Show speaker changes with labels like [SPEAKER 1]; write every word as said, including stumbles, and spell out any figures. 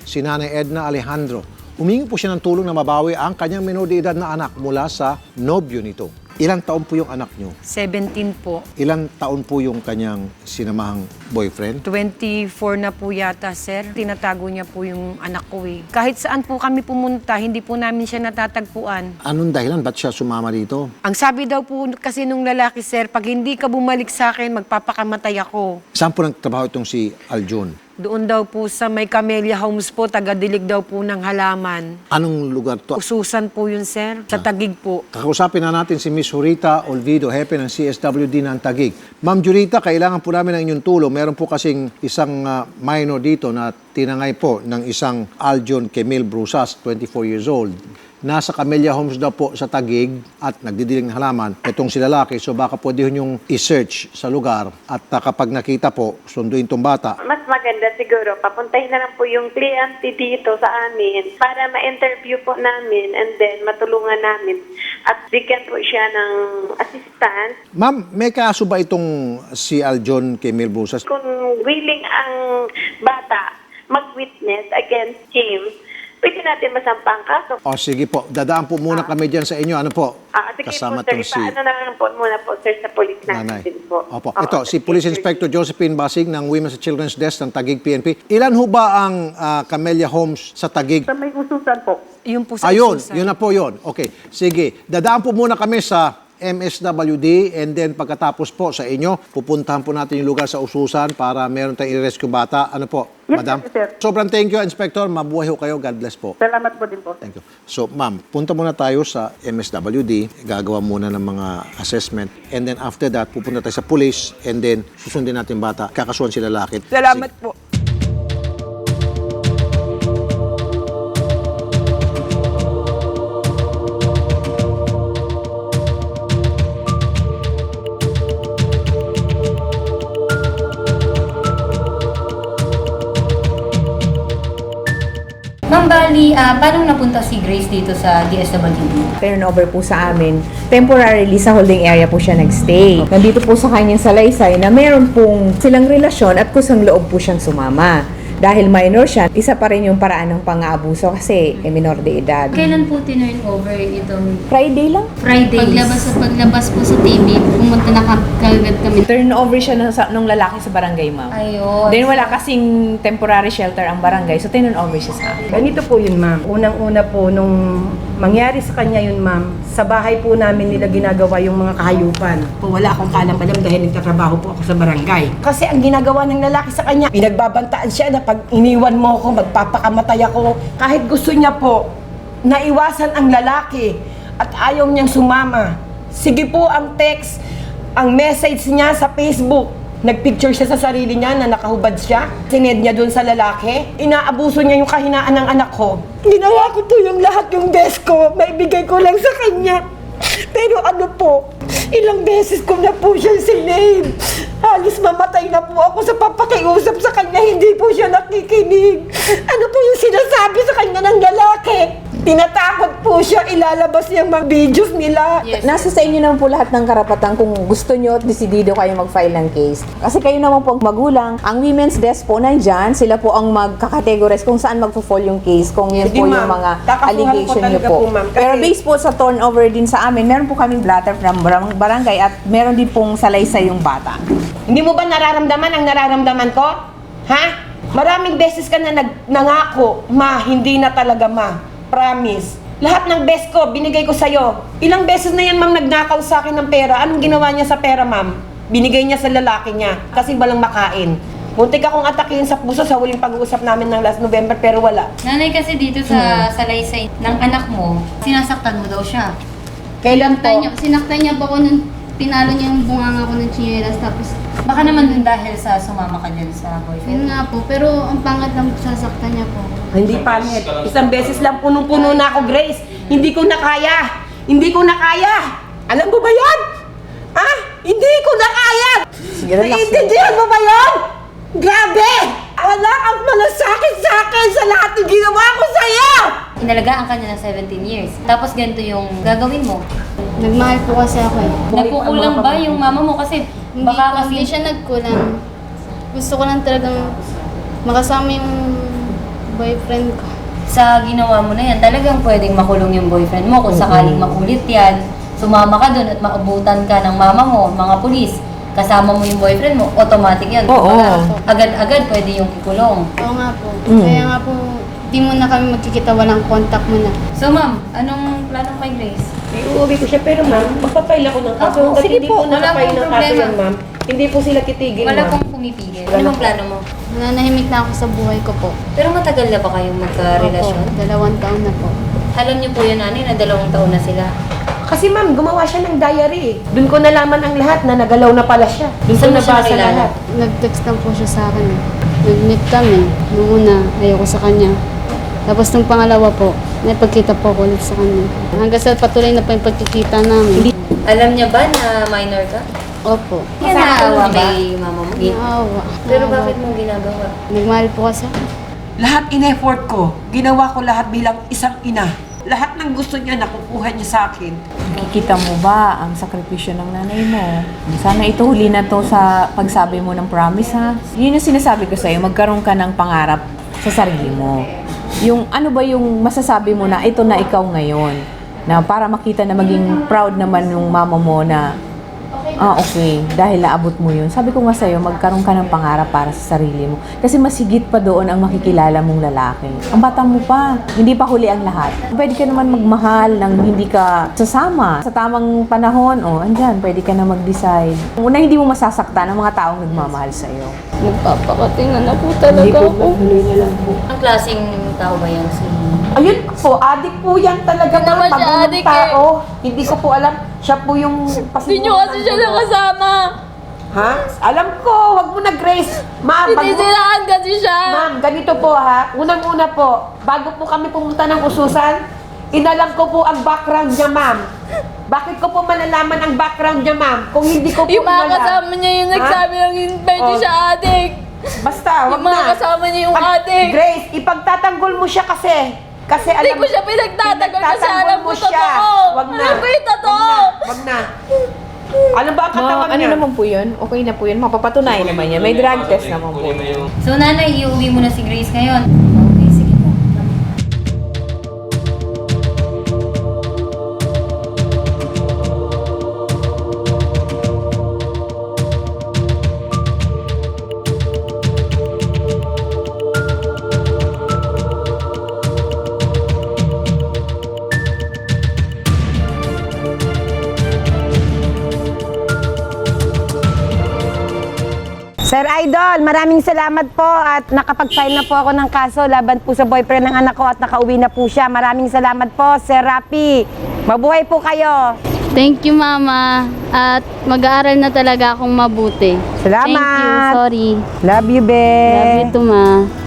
[SPEAKER 1] si Nanay Edna Alejandro. Humingi po siya ng tulong na mabawi ang kanyang menor de edad na anak mula sa nobyo nito. Ilang taon po yung anak nyo?
[SPEAKER 2] seventeen po.
[SPEAKER 1] Ilang taon po yung kanyang sinamahang boyfriend?
[SPEAKER 2] twenty-four na po yata, sir. Tinatago niya po yung anak ko eh. Kahit saan po kami pumunta, hindi po namin siya natatagpuan.
[SPEAKER 1] Anong dahilan? Ba't siya sumama dito?
[SPEAKER 2] Ang sabi daw po kasi nung lalaki, sir, pag hindi ka bumalik sa akin, magpapakamatay ako.
[SPEAKER 1] Saan po nagtrabaho itong si Aljon?
[SPEAKER 2] Doon daw po sa may Camellia Homes po, taga-dilig daw po ng halaman.
[SPEAKER 1] Anong lugar to?
[SPEAKER 2] Ususan po yun, sir. Sa Taguig po.
[SPEAKER 1] Kakausapin na natin si Miss Jurita Olvido, hepe ng C S W D ng Taguig. Ma'am Jurita, kailangan po namin ng inyong tulong. Meron po kasing isang uh, minor dito na tinangay po ng isang Aljon Kemil Brusas, twenty-four years old. Nasa Camellia Homes daw po sa Taguig at nagdidiling ng halaman. Itong si lalaki, so baka pwede yung i-search sa lugar at uh, kapag nakita po, sunduin tong bata.
[SPEAKER 3] Mas maganda siguro, papuntahin na lang po yung kliyente dito sa amin para ma-interview po namin and then matulungan namin at bigyan po siya ng assistance.
[SPEAKER 1] Ma'am, may kaso ba itong si Aljon Kemil Brusas?
[SPEAKER 3] Kung willing ang bata mag-witness against him, pwede natin masampang kaso.
[SPEAKER 1] O sige po, dadaan po muna kami dyan sa inyo. Ano po?
[SPEAKER 3] Ah, sige
[SPEAKER 1] Kasama
[SPEAKER 3] po, sir.
[SPEAKER 1] tong si
[SPEAKER 3] Paano na lang po muna po, sir, sa police
[SPEAKER 1] Nanay.
[SPEAKER 3] natin po.
[SPEAKER 1] Opo.
[SPEAKER 3] Oo,
[SPEAKER 1] Ito, si
[SPEAKER 3] sige,
[SPEAKER 1] Police
[SPEAKER 3] sir.
[SPEAKER 1] Inspector Josephine Basig ng Women's and Children's Desk ng Taguig P N P. Ilan ho ba ang ah, Camellia Homes sa Taguig?
[SPEAKER 4] Sa may ususan po.
[SPEAKER 2] Yun po sa
[SPEAKER 1] Ayun,
[SPEAKER 2] Ususan.
[SPEAKER 1] yun na po yun. Okay, sige. Dadaan po muna kami sa M S W D and then pagkatapos po sa inyo, pupuntahan po natin yung lugar sa Ususan para meron tayong i-rescue bata. Ano po,
[SPEAKER 4] Yes,
[SPEAKER 1] Madam?
[SPEAKER 4] sir, sir.
[SPEAKER 1] Sobrang thank you, Inspector. Mabuhay ho kayo. God bless po.
[SPEAKER 4] Salamat po din po.
[SPEAKER 1] Thank you. So, ma'am, punta muna tayo sa M S W D. Gagawa muna ng mga assessment. And then after that, pupunta tayo sa police. And then, susundin natin bata. Kakasuhan si lalaki.
[SPEAKER 2] Salamat po.
[SPEAKER 5] Ma'am Bali, ah, paano napunta si Grace dito sa D S W D?
[SPEAKER 6] Turnover po sa amin. Temporarily sa holding area po siya nagstay. Nandito po sa kanyang salaysay na meron pong silang relasyon at kusang loob po siyang sumama. Dahil minor siya, isa pa rin yung paraan ng pang-aabuso kasi eh, minor de edad.
[SPEAKER 5] Kailan po tinurn over itong
[SPEAKER 6] Friday lang.
[SPEAKER 5] Friday?
[SPEAKER 7] Paglabas sa paglabas po sa T V, pumunta na ka- kagad kami.
[SPEAKER 6] Turnover siya ng, sa- nung lalaki sa barangay, ma'am.
[SPEAKER 5] Ayun.
[SPEAKER 6] Then wala kasing temporary shelter ang barangay, so turnover siya sa akin.
[SPEAKER 4] Ganito po yun, ma'am. Unang-una po, nung mangyari sa kanya yun, ma'am, sa bahay po namin nila ginagawa yung mga kahayupan. Po, wala akong kalam-alam dahil nagtatrabaho po ako sa barangay. Kasi ang ginagawa ng lalaki sa kanya, pinagbabantaan siya na pag iniwan mo ako, magpapakamatay ako. Kahit gusto niya po, naiwasan ang lalaki at ayaw niyang sumama. Sige po ang text, ang message niya sa Facebook. Nagpicture siya sa sarili niya na nakahubad siya. Sined niya dun sa lalaki. Inaabuso niya yung kahinaan ng anak ko. Ginawa ko po yung lahat yung best ko. Maibigay ko lang sa kanya. Pero ano po, ilang beses ko na po siya sinave. Halos mamatay na po ako sa papakiusap sa kanya. Hindi po siya nakikinig. Ano po yung sinasabi sa kanya ng lalaki? Tinatakot po siya, ilalabas niya mga videos nila.
[SPEAKER 5] Yes.
[SPEAKER 6] Nasa sa inyo naman po lahat ng karapatan kung gusto nyo at desidido kayo mag-file ng case. Kasi kayo naman po magulang, ang women's desk po nandyan, sila po ang magkakategorize kung saan magpo-fall yung case, kung yun
[SPEAKER 4] Sige,
[SPEAKER 6] po yung
[SPEAKER 4] ma'am.
[SPEAKER 6] mga
[SPEAKER 4] Kakasuhan ko
[SPEAKER 6] allegation nyo
[SPEAKER 4] talaga
[SPEAKER 6] po.
[SPEAKER 4] po, ma'am, kasi-
[SPEAKER 6] Pero based po sa turnover din sa amin, meron po kaming blatter from barang- barangay at meron din pong salaysay yung bata.
[SPEAKER 4] Hindi mo ba nararamdaman ang nararamdaman ko? Ha? Maraming beses ka na nag nangako, ma, hindi na talaga, ma. Promise. Lahat ng best ko, binigay ko sa'yo. Ilang beses na yan, ma'am, nagnakaw sa akin ng pera. Anong ginawa niya sa pera, ma'am? Binigay niya sa lalaki niya kasi walang makain. Muntik akong atakihin sa puso sa huling pag-uusap namin ng last November, pero wala.
[SPEAKER 5] Nanay, kasi dito
[SPEAKER 4] Hmm.
[SPEAKER 5] sa salaysay ng anak mo, sinasaktan mo daw siya.
[SPEAKER 4] Kailan
[SPEAKER 7] Sinaktan
[SPEAKER 4] po?
[SPEAKER 7] niya, sinaktan niya po ako nung pinalo niya yung bunganga ko ng chinelas. Tapos,
[SPEAKER 5] Baka naman dun dahil sa sumama ka dyan sa
[SPEAKER 7] yun
[SPEAKER 5] boyfriend.
[SPEAKER 7] nga po. Pero ang pangat lang sasaktan niya po.
[SPEAKER 4] Hindi pangit. Isang beses lang punong-puno na ako, Grace. Hindi ko na kaya. Hindi ko na kaya. Alam mo ba yan? Ha? Hindi ko na kaya.
[SPEAKER 6] Sige, relax
[SPEAKER 4] Naiintindihan mo ba yan? Grabe! Wala kang malasakit sa akin sa lahat ng ginawa ko sa'yo!
[SPEAKER 5] Inalagaan ka niya ng seventeen years. Tapos ganito yung gagawin mo.
[SPEAKER 7] Nagmahal po kasi ako eh.
[SPEAKER 5] Nagkukulang ba yung mama mo? Kasi
[SPEAKER 7] Hindi,
[SPEAKER 5] baka
[SPEAKER 7] po, hindi
[SPEAKER 5] kasi...
[SPEAKER 7] siya nagkulang. Gusto ko lang talagang makasama yung boyfriend ko.
[SPEAKER 5] Sa ginawa mo na yan, talagang pwedeng makulong yung boyfriend mo. Kung sakaling makulit yan, sumama ka dun at maabutan ka ng mama mo, mga pulis, kasama mo yung boyfriend mo, automatic yan.
[SPEAKER 6] Oo.
[SPEAKER 5] Kumbaga, agad-agad pwede yung ikulong.
[SPEAKER 7] Oo nga po.
[SPEAKER 6] Mm.
[SPEAKER 7] Kaya nga po, di mo na kami magkikita, walang contact mo na.
[SPEAKER 5] So ma'am, anong plano kay Grace?
[SPEAKER 4] Iuwi ko siya, pero ma'am, magpapail ako ng kaso.
[SPEAKER 5] Oo,
[SPEAKER 4] Hanggat
[SPEAKER 5] sige
[SPEAKER 4] hindi
[SPEAKER 5] po,
[SPEAKER 4] po
[SPEAKER 5] wala
[SPEAKER 4] nakapail
[SPEAKER 5] pong
[SPEAKER 4] ng kaso
[SPEAKER 5] problema.
[SPEAKER 4] yan, ma'am. Hindi po sila kitigil,
[SPEAKER 5] Wala
[SPEAKER 4] ma'am.
[SPEAKER 5] pong pumipigil. Ano bang plano mo?
[SPEAKER 7] Nananahimik na ako sa buhay ko po.
[SPEAKER 5] Pero matagal na ba kayong magka-relasyon?
[SPEAKER 7] Opo, dalawang taon na po.
[SPEAKER 5] Alam niyo po yan, nanay, na dalawang taon na sila.
[SPEAKER 4] Kasi ma'am, gumawa siya ng diary eh. Doon ko nalaman ang lahat na nagalaw na pala siya. Doon ko
[SPEAKER 5] Saan mo siya
[SPEAKER 4] nabasa
[SPEAKER 5] nakilala?
[SPEAKER 4] lahat.
[SPEAKER 7] Nag-text lang po siya sa akin. eh. Nag-meet kami. Noong una, ayoko sa kanya. Tapos nung pangalawa po, napagkita po ako ulit sa kanya. Hanggang sa patuloy na po yung pagkikita namin.
[SPEAKER 5] Alam niya ba na minor ka?
[SPEAKER 7] Opo.
[SPEAKER 5] Kaya naawa kay mama mo.
[SPEAKER 7] Naawa.
[SPEAKER 5] Pero
[SPEAKER 7] Naawa.
[SPEAKER 5] bakit mo ginagawa?
[SPEAKER 7] Nagmahal po kasi ako.
[SPEAKER 8] Lahat in-effort ko. Ginawa ko lahat bilang isang ina. Lahat ng gusto niya nakukuha niya sa akin.
[SPEAKER 6] Nakikita mo ba ang sakripisyo ng nanay mo? Sana ito huli na to sa pagsabi mo ng promise, ha? Yun yung sinasabi ko sa'yo, magkaroon ka ng pangarap sa sarili mo. Yung ano ba yung masasabi mo na ito na ikaw ngayon? Na para makita na maging proud naman yung mama mo na ah, okay, dahil naabot mo yun. Sabi ko nga sa'yo, magkaroon ka ng pangarap para sa sarili mo. Kasi mas higit pa doon ang makikilala mong lalaki. Ang bata mo pa, hindi pa huli ang lahat. Pwede ka naman magmahal nang hindi ka sasama. Sa tamang panahon, oh, andyan, pwede ka na mag-decide. Una, hindi mo masasaktan ang mga taong nagmamahal sa'yo.
[SPEAKER 7] Nagpapakatingan na po talaga ako.
[SPEAKER 5] Ang klaseng tao ba yan si...
[SPEAKER 4] Ayun po, adik po yan talaga
[SPEAKER 7] Hindi
[SPEAKER 4] mga
[SPEAKER 7] naman siya
[SPEAKER 4] pagulong
[SPEAKER 7] adik
[SPEAKER 4] tao. Hindi ko po alam. Siya po yung
[SPEAKER 7] Hindi nyo kasi siya nakasama.
[SPEAKER 4] Ha? Alam ko, wag mo na Grace. Ma'am, bago-
[SPEAKER 7] Sinisiraan kasi siya.
[SPEAKER 4] Ma'am, ganito po ha. Unang-una po, bago po kami pumunta ng ususan, inalam ko po ang background niya, ma'am. Bakit ko po malalaman ang background niya, ma'am? Kung hindi ko po
[SPEAKER 7] Yung mga
[SPEAKER 4] inalam.
[SPEAKER 7] kasama niya yung
[SPEAKER 4] Ha?
[SPEAKER 7] nagsabi ng hindi
[SPEAKER 4] Oh.
[SPEAKER 7] siya adik.
[SPEAKER 4] Basta, wag
[SPEAKER 7] Yung mga
[SPEAKER 4] na.
[SPEAKER 7] kasama niya yung
[SPEAKER 4] Pag-
[SPEAKER 7] adik.
[SPEAKER 4] Grace, ipagtatanggol mo siya kasi. Kasi
[SPEAKER 7] Hindi
[SPEAKER 4] alam
[SPEAKER 7] ko siya pinagtatagal kasi
[SPEAKER 4] pinagtatanggol
[SPEAKER 7] alam
[SPEAKER 4] mo
[SPEAKER 7] ko
[SPEAKER 4] siya.
[SPEAKER 7] totoo.
[SPEAKER 4] Wag na.
[SPEAKER 7] Alam ko yung totoo.
[SPEAKER 4] Wag na. Wag na. Alam ba ang
[SPEAKER 6] Ma,
[SPEAKER 4] katawan
[SPEAKER 6] ano
[SPEAKER 4] niya?
[SPEAKER 6] naman po yun? Okay na po yun. Mapapatunayan naman yan. May drug test naman po.
[SPEAKER 5] So nanay, iuwi mo na si Grace ngayon. Okay, sige po.
[SPEAKER 2] Sir Idol, maraming salamat po at nakapag-file na po ako ng kaso laban po sa boyfriend ng anak ko at nakauwi na po siya. Maraming salamat po, Sir Rapi. Mabuhay po kayo.
[SPEAKER 7] Thank you, Mama. At mag-aaral na talaga akong mabuti.
[SPEAKER 2] Salamat.
[SPEAKER 7] Thank you. Sorry.
[SPEAKER 2] Love you, be.
[SPEAKER 7] Love you too, Ma.